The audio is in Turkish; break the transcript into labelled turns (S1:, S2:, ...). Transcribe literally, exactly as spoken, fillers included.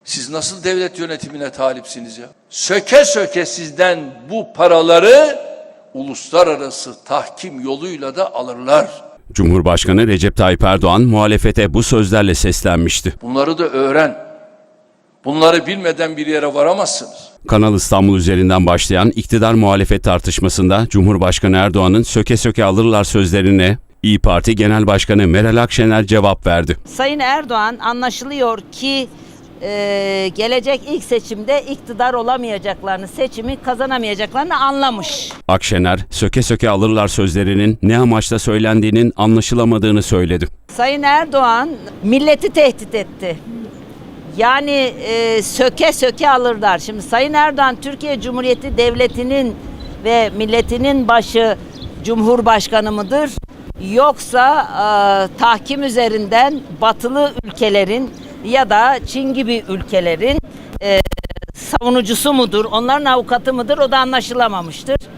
S1: Siz nasıl devlet yönetimine talipsiniz ya? Söke söke sizden bu paraları uluslararası tahkim yoluyla da alırlar.
S2: Cumhurbaşkanı Recep Tayyip Erdoğan muhalefete bu sözlerle seslenmişti.
S1: Bunları da öğren. Bunları bilmeden bir yere varamazsınız.
S2: Kanal İstanbul üzerinden başlayan iktidar muhalefet tartışmasında Cumhurbaşkanı Erdoğan'ın söke söke alırlar sözlerine İYİ Parti Genel Başkanı Meral Akşener cevap verdi.
S3: Sayın Erdoğan anlaşılıyor ki e, gelecek ilk seçimde iktidar olamayacaklarını, seçimi kazanamayacaklarını anlamış.
S2: Akşener, söke söke alırlar sözlerinin ne amaçla söylendiğinin anlaşılamadığını söyledi.
S3: Sayın Erdoğan milleti tehdit etti. Yani e, söke söke alırlar. Şimdi Sayın Erdoğan Türkiye Cumhuriyeti Devleti'nin ve milletinin başı Cumhurbaşkanı mıdır? Yoksa e, tahkim üzerinden batılı ülkelerin ya da Çin gibi ülkelerin e, savunucusu mudur? Onların avukatı mıdır? O da anlaşılamamıştır.